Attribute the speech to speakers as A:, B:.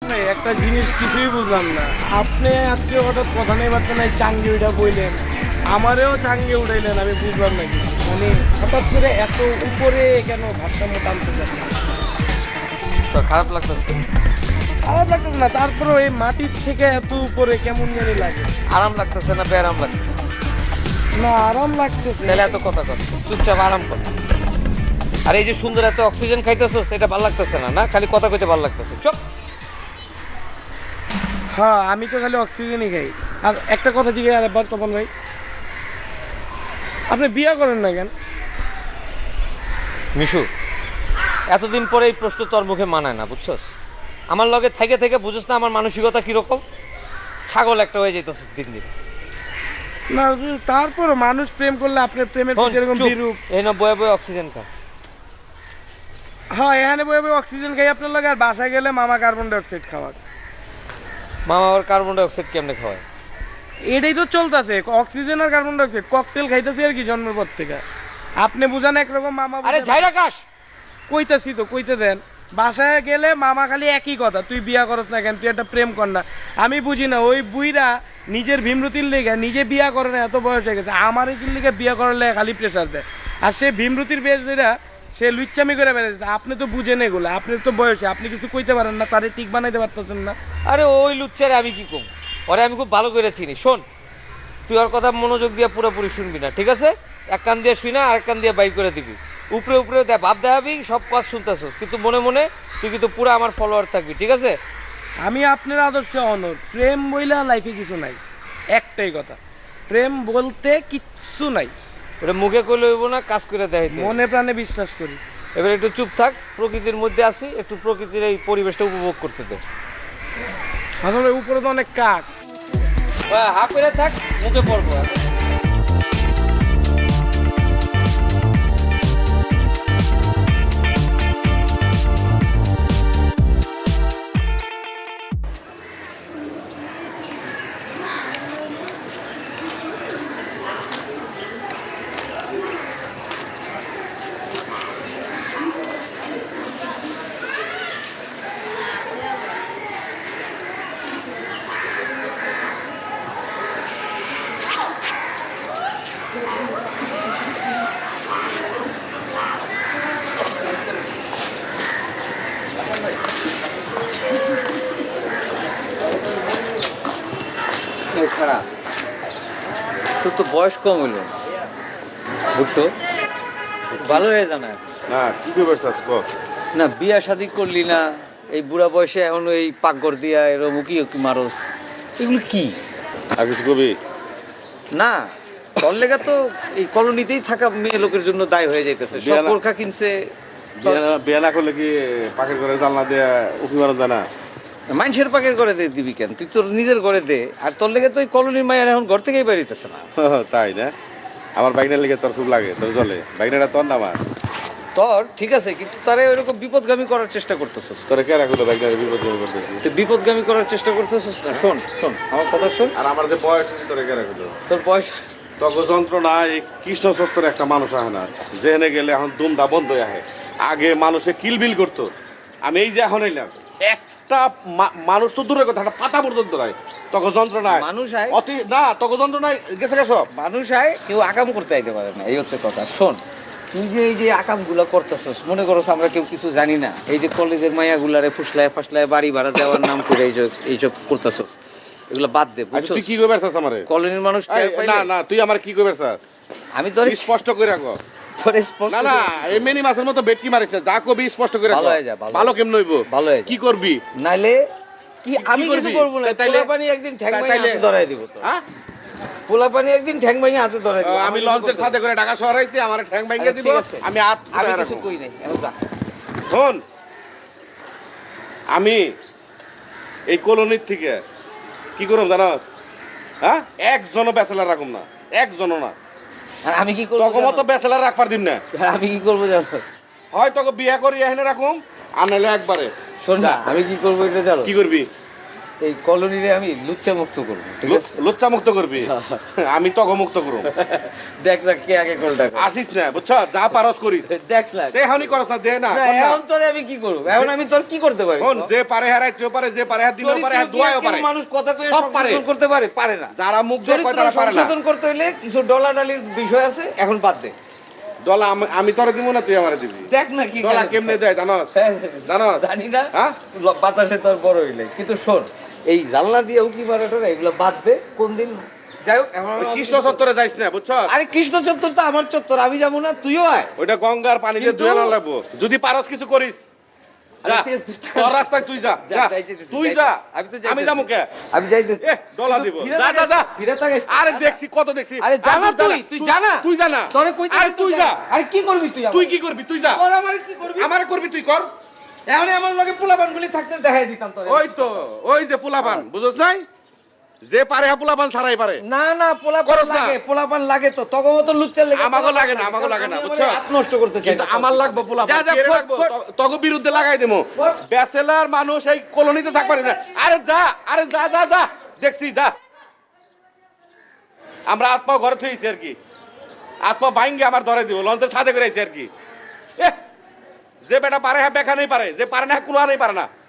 A: একটা জিনিস কিছুই বুঝলাম না, আপনি আজকে হঠাৎ কথা নেই বার্তা নাই চাঙ্গি ওইটা বললেন, আমারেও চাঙ্গে উঠাইলেন, আমি বুঝলাম না কি মানে হঠাৎ করে এত উপরে কেন ভারসাম্য টানতে চাচ্ছেন?
B: খারাপ লাগতেছে?
A: খারাপ লাগতেছে না, তারপরেও এই মাটির থেকে এত উপরে কেমন জানি লাগে।
B: আরাম লাগতেছে না বেআরাম লাগতেছে?
A: না আরাম লাগতেছে।
B: তাহলে এত কথা কর, চুপচাপ আরাম কর। আর এই যে সুন্দর এত অক্সিজেন খাইতেছো সেটা ভালো লাগতেছে না, না খালি কথা কইতে ভালো লাগতেছে। চুপ।
A: হ্যাঁ আমি তো খালি অক্সিজেনই খাই। আর একটা কথা জিজ্ঞাসা আরেকবার তপন ভাই, আপনি বিয়ে করেন না কেন?
B: মিশু, এতদিন পরে এই প্রশ্ন তোর মুখে মানায় না, বুঝছস? আমার লগে থেকে থেকে বুঝছ না আমার মানসিকতা কিরকম? ছাগল একটা হয়ে যেতেছ দিন দিন।
A: না তারপর মানুষ প্রেম করলে আপনার প্রেমের প্রতি এরকম বিরূপ।
B: এই না বয়ে বয়ে অক্সিজেন খা।
A: হ্যাঁ এখানে বয়ে বয়ে অক্সিজেন খাই আপনার লাগে, আর বাসায় গেলে মামা কার্বন ডাইঅক্সাইড খাওয়ার।
B: মামা আবার কার্বন ডাইঅক্সাইড কেমনে খাওয়ায়?
A: এটাই তো চলতেছে, অক্সিজেন আর কার্বন ডাইঅক্সাইড ককটেল খাইতেছি আর কি জন্মের পর থেকে। আপনি বুঝান একরকম, মামা
B: আরে যাই রাখাস।
A: কইতাছি তো কইতে দেন। বাসায় গেলে মামা খালি একই কথা, তুই বিয়া করস না কেন, তুই একটা প্রেম কর না। আমি বুঝি না ওই বুইরা নিজের ভীমরতির লেগে নিজে বিয়া করে না, এত বয়স হয়ে গেছে, আমার এই লিগে বিয়া করলে খালি প্রেশার দেয়। আর সে ভীমরতির বেশ ধরা সে লুচ্চামি করে বেড়াচ্ছে। আপনি তো বুঝেন এগুলো, আপনি তো বয়সে, আপনি কিছু কইতে পারেন না, তারে ঠিক বানাইতে পারতেছেন না।
B: আরে ওই লুচ্চারে আমি কি কম? ওরে আমি খুব ভালো করে চিনি। শোন, তুই ওর কথা মনোযোগ দিয়ে পুরোপুরি শুনবি না, ঠিক আছে? এক কান দিয়ে শুই না, আরেক কান দিয়ে বাইর করে দিবি। উপরে উপরে ভাব দেখাবি, সব কাজ শুনতেছস, কিন্তু মনে মনে তুই কিন্তু পুরো আমার ফলোয়ার থাকবি, ঠিক আছে?
A: আমি আপনার আদর্শে অনর। প্রেম বইলা লাইফে কিছু নাই, একটাই কথা, প্রেম বলতে কিচ্ছু নাই।
B: ওটা মুখে কইলে হইব না, কাজ করে দেয়।
A: মনে প্রাণে বিশ্বাস করি।
B: এবার একটু চুপ থাক, প্রকৃতির মধ্যে আসি, একটু প্রকৃতির এই পরিবেশটা উপভোগ করতে দে।
A: আসলে উপরে তো অনেক কাক।
B: হা করে থাক, মুখে পড়বো। খারাপ তোর তো বয়স কম হইল, বুঝতো ভালো হয়ে জানা
C: না কি করবে
B: না, বিয়া শাদি করলি না এই বুড়া বয়সে, এখন এই পাকঘর দিয়া এরকম উকি উকি মারস, এগুলো কি?
C: আর কিছু কবি
B: না তোর লেগা তো এই কলোনিতেই থাকা মেয়ে লোকের জন্য দায় হয়ে যাইতেছে। সব বোরখা কিনছে।
C: বিয়া না করলে কি পাখির ঘরে জানলা দিয়ে উঠি মারা যায় না?
B: মানুষের পাকের ঘরে দে দিবি কেন? তুই তোর নিজের ঘরে দে। আর তোর লেগে তো ওই কলোনির মায়ের এখন ঘর থেকেই বেরিতেছে না।
C: তাই না? আমার বাইকনার লেগে তোর খুব লাগে, তোর চলে বাইকনাটা তোর না আমার।
B: তোর ঠিক আছে, কিন্তু তারা ওইরকম বিপদগামী করার চেষ্টা করতেছিস।
C: তোরে কে রাখলো বাইকনারে বিপদগামী করতেছি?
B: তুই বিপদগামী করার চেষ্টা করতেছিস না। শোন শোন আমার কথা শোন।
C: আর আমার যে বয়স আছে তোরে কে রাখলো?
B: তোর বয়স
C: তক যন্ত্রণা এই কৃষ্ণ সত্তর একটা মানুষ আহে না, যেখানে গেলে এখন দুমটা বন্ধ হয়ে আহে। আগে মানুষে কিলবিল করতো, আমি এই যে এখন এলাম একটা মানুষ তো দূরের কথা, একটা পাতা পর্যন্ত নাই। তখন যন্ত্রণায়
B: মানুষ আয়
C: অতি না, তখন যন্ত্রণায় গেছে গেছ
B: মানুষ আয়, কেউ আকাম করতে আইতে পারে না, এই হচ্ছে কথা। শোন, তুই যে এই যে আকামগুলা করতেছস, মনে করছ আমরা কেউ কিছু জানি না। এই যে কলেজের মাইয়াগুলারে ফুসলায় ফাসলায় বাড়ি ভাড়া দেওয়ার নাম করে এইসব করতেছস, এগুলো বাদ দে।
C: তুই কি কইবার চাস আমারে?
B: কলোনির মানুষ
C: না না, তুই আমার কি কইবার চাস?
B: আমি তোর
C: স্পষ্ট করে রাখো।
B: তোর স্পষ্ট
C: না না, এই মেনি মাছের মতো বেটকি মারিস, যা কবি স্পষ্ট করে রাখো।
B: ভালো হয়ে যা।
C: ভালো কেমন হইব?
B: ভালো হয়ে
C: কি করবি?
B: নাইলে কি আমি কিছু করব না।
C: তাইলে
B: পানি একদিন ঠ্যাং ভাঙে হাতে ধরাই দিব তো।
C: হ্যাঁ,
B: পোলা পানি একদিন ঠ্যাং ভাঙে হাতে ধরাই দিব।
C: আমি লঞ্চের সাথে করে ঢাকা শহর আইছি, আমার ঠ্যাং ভাঙে দিব, আমি হাত
B: আমি কিছু কই নাই। এখন যা।
C: শোন, আমি এই কলোনির থেকে কি করব জানাস? হ্যাঁ, একজনও ব্যাচেলার রাখুম না, একজনও না।
B: আর আমি কি করব?
C: তোকে মতো ব্যাচেলার রাখবার দিম না।
B: আমি কি করব জানো?
C: হয় তোকে বিয়ে করি এখানে রাখুম, আর নাহলে একবারে।
B: শোন না, আমি কি করব এটা জানো?
C: কি করবি?
B: এই কলোনিরে আমি লুচ্চা মুক্ত করবো, ঠিক আছে?
C: লুচ্চা মুক্ত করবি, আমি তগ মুক্ত করব।
B: দেখ না কে আগে কোনটা করে।
C: আসিস না, বুঝছ, যা পারস করিস।
B: দেখ না
C: দেহানি করস না, দে না,
B: না,
C: কর না।
B: এখন তোরে আমি কি করব? এখন আমি তোর কি করতে পারি?
C: শোন, যে পারে হারাইতেও পারে, যে পারে হাত দিলেও পারে, হাত দোয়াও পারে।
B: মানুষ কথা কয়ে
C: সব পারে।
B: সংশোধন করতে পারে? পারে না।
C: যারা মুখ দিয়ে কয়
B: চরিত্র
C: তারা পারে না।
B: সংশোধন করতে হলে কিছু ডলাডালির বিষয় আছে, এখন বাদ দে।
C: ডলা আমি তোরে দিব না, তুই আমারে দিবি।
B: দেখ না কি
C: ডলা কেমনে দেয় জানোস? জানোস?
B: জানি না,
C: হ্যাঁ?
B: বাতাসে তোর বড় হইলে। কিন্তু শোন, এই জানলা দিয়ে উকি মারাটা এগুলো বাদ দে। কোন দিন যাই হোক, এখন
C: ওই কৃষ্ণ চত্বরে যাইস না, বুঝছ?
B: আরে কৃষ্ণ চত্বর তো আমার চত্বর, আমি যাবো না? তুইও আয়।
C: ওইটা গঙ্গার পানি দিয়ে
B: কিন্তু-
C: ধুয়ে না লাগবো। যদি পারস কিছু করিস, যা,
B: আরে
C: তোর রাস্তায় তুই যা, যা,
B: যাইতেছি,
C: তুই যা,
B: আমি তো
C: আমি
B: যাইতেছি।
C: যাবো কে?
B: আমি যাইতেছি।
C: ডলা দিব,
B: ফিরে
C: যা, যা, যা।
B: ফিরে তাকাইস।
C: আরে দেখছি, কত দেখছি।
B: আরে জানা
C: আর
B: তুই জানা।
C: তুই জানা।
B: তোরে কইতে
C: আরে তুই যা,
B: আরে কি করবি তুই?
C: তুই কি করবি, তুই যা।
B: তোর আমারে কি করবি?
C: আমারে করবি, তুই কর।
B: এখন আমার লগে পোলাপানগুলি থাকতে দেখাই দিতাম তোরে।
C: ওই তো, ওই যে পোলাপান, বুঝছ নাই? যে পারে হা পোলাপান ছাড়াই পারে।
B: না না, পোলাপান
C: করস না।
B: লাগে, পোলাপান লাগে তো। তগো মতো লুচ্চার লাগে।
C: আমাগো লাগে না, আমাগো লাগে না,
B: আমি
C: বুঝছো?
B: আমার হাত নষ্ট করতে চাই
C: কিন্তু
B: না।
C: আমার লাগবে পোলাপান।
B: যা, যা,
C: কেড়ে
B: ফট,
C: রাখবো,
B: ফট।
C: তগো বিরুদ্ধে লাগাই দেবো।
B: ফট।
C: ব্যাচেলার মানুষ এই কলোনিতে থাকতে পারে না। আরে যা, আরে যা, যা, যা, দেখছি, যা। আমরা আত্মা ঘরে থইছি আর কি, আত্মা বাইঙ্গে আমার ধরে দিব, লঞ্চের সাথে করে আইছি আর কি। যে বেটা পারে হ্যাঁ বেখা নেই পারে, যে পারে না কুলা নেই পারে না।